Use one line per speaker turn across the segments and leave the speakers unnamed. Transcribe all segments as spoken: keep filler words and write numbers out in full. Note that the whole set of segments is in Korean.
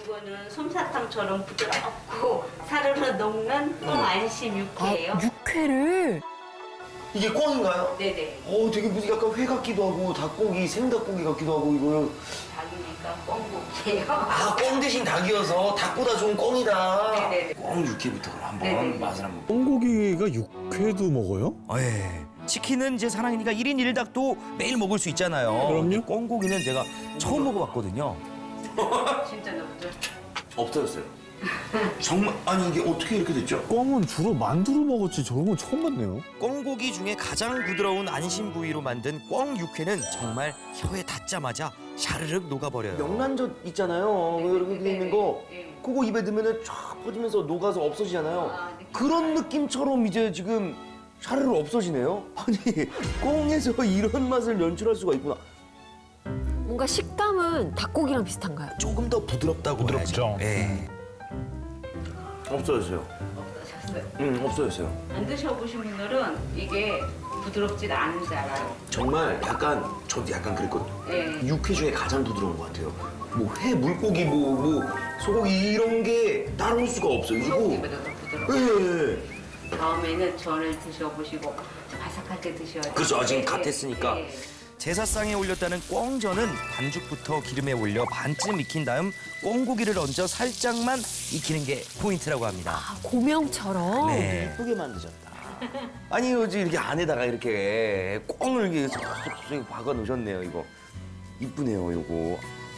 이거는 솜사탕처럼 부드럽고 사르르 녹는 꽁 안심 육회예요.
육회를
이게 꿩인가요?
네네.
어, 되게 무슨 약간 회 같기도 하고 닭고기, 생닭고기 같기도 하고 이거는
닭이니까 꽁국이에요.
아, 꿩 대신 닭이어서 닭보다 좋은 꿩이다.
네네네.
꿩 육회부터 그럼 한번
네네네.
맛을 한번.
꽁고기가 육회도 먹어요?
어, 예. 치킨은 이제 사랑이니까 일 인 일 닭도 매일 먹을 수 있잖아요.
그럼요.
꿩고기는 제가 처음 먹어봤거든요.
진짜 너무
없어졌어요. 정말 아니 이게 어떻게 이렇게 됐죠?
꽁은 주로 만두로 먹었지 저런 건 처음 봤네요.
꿩고기 중에 가장 부드러운 안심 부위로 만든 꿩 육회는 정말 혀에 닿자마자 샤르륵 녹아버려요.
명란젓 있잖아요.
네,
이렇게
네,
있는
네,
거.
네.
그거 입에 넣으면 쫙 퍼지면서 녹아서 없어지잖아요.
아, 느낌
그런
알아요.
느낌처럼 이제 지금 샤르르 없어지네요. 아니 꽁에서 이런 맛을 연출할 수가 있구나.
뭔가 식감은 닭고기랑 비슷한가요?
조금 더 부드럽다고
부드럽죠.
해야죠. 예.
없어졌어요.
없어졌어요.
응, 없어졌어요.
안 드셔보신 분들은 이게 부드럽지 않은 줄 알아요.
정말 약간 저도 약간 그랬거든요.
예.
육회 중에 가장 부드러운 것 같아요. 뭐 회, 물고기, 뭐, 뭐 소고기 이런 게 따라올 수가 없어요. 그리고
소고기보다 더 부드러워.
예, 예.
다음에는 전을 드셔보시고 바삭하게 드셔야 돼요.
그렇죠. 아직
예,
갓
예,
했으니까.
예.
제사상에 올렸다는 꿩전은 반죽부터 기름에 올려 반쯤 익힌 다음 꿩고기를 얹어 살짝만 익히는 게 포인트라고 합니다.
아, 고명처럼.
네.
예쁘게 만드셨다. 아니 요즘 이렇게 안에다가 이렇게 꽁을 이렇게 쏙쏙쏙 박아 놓으셨네요. 이거 이쁘네요. 요거.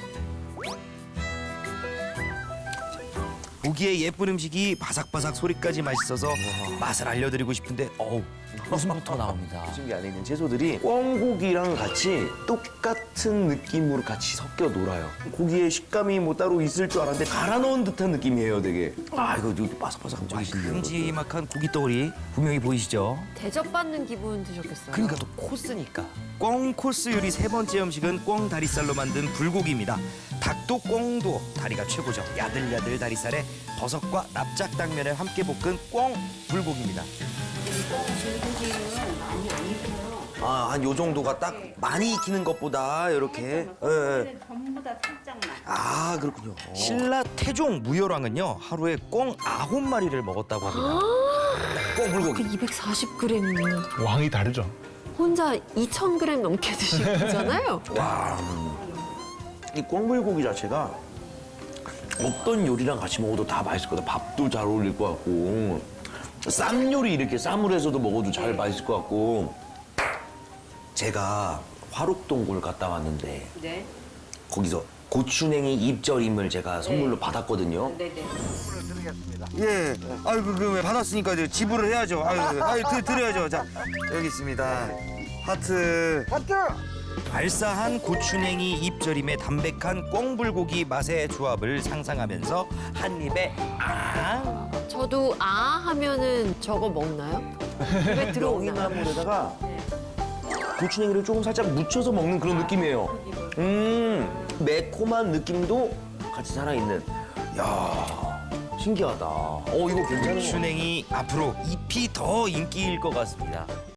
보기에 예쁜 음식이 바삭바삭 소리까지 맛있어서 맛을 알려드리고 싶은데 어우 웃음부터 나옵니다.
지금 이 안에 있는 채소들이 꿩고기랑 같이 똑같은 느낌으로 같이 섞여 놀아요. 고기의 식감이 뭐 따로 있을 줄 알았는데 갈아 넣은 듯한 느낌이에요, 되게. 아, 이거 이거 바삭바삭 맛있네요.
큼지막한 고기 덩어리 분명히 보이시죠?
대접받는 기분 드셨겠어요?
그러니까 또 코스니까. 꿩 코스 요리 세 번째 음식은 꿩 다리살로 만든 불고기입니다. 닭도 꿩도 다리가 최고죠. 야들야들 다리살에 버섯과 납작 당면을 함께 볶은 꿩 불고기입니다.
불고기는 많이 안 익어요.
아, 한 요 정도가 딱 많이 익히는 것보다 이렇게. 예, 예.
전부 다 살짝만.
아, 그렇군요. 어.
신라 태종 무열왕은요 하루에 꿩 아홉 마리를 먹었다고 합니다.
꽁
그
불고기.
이백사십 그램이면
왕이 다르죠.
혼자 이천 그램 넘게 드신 거잖아요?
와. 이 꽁불고기 자체가 어떤 요리랑 같이 먹어도 다 맛있을 것 같아요. 밥도 잘 어울릴 것 같고. 쌈 요리 이렇게 쌈을 해서도 먹어도 잘 맛있을 것 같고. 제가 화록동굴 갔다 왔는데
네.
거기서 고추냉이 입절임을 제가 선물로 받았거든요.
네네.
예. 아유 그 받았으니까 이제 지불을 해야죠. 아유, 아유 드, 드려야죠. 자 여기 있습니다. 하트. 하트. 알싸한 고추냉이 입절임의 담백한 꿩불고기 맛의 조합을 상상하면서 한 입에 아.
저도 아 하면은 저거 먹나요? 입에 들어오나요?
명이나물에다가 고추냉이를 조금 살짝 묻혀서 먹는 그런 느낌이에요. 음, 매콤한 느낌도 같이 살아있는. 야, 신기하다. 어, 이거 괜찮은 것 같아요.
고추냉이 앞으로 잎이 더 인기일 것 같습니다.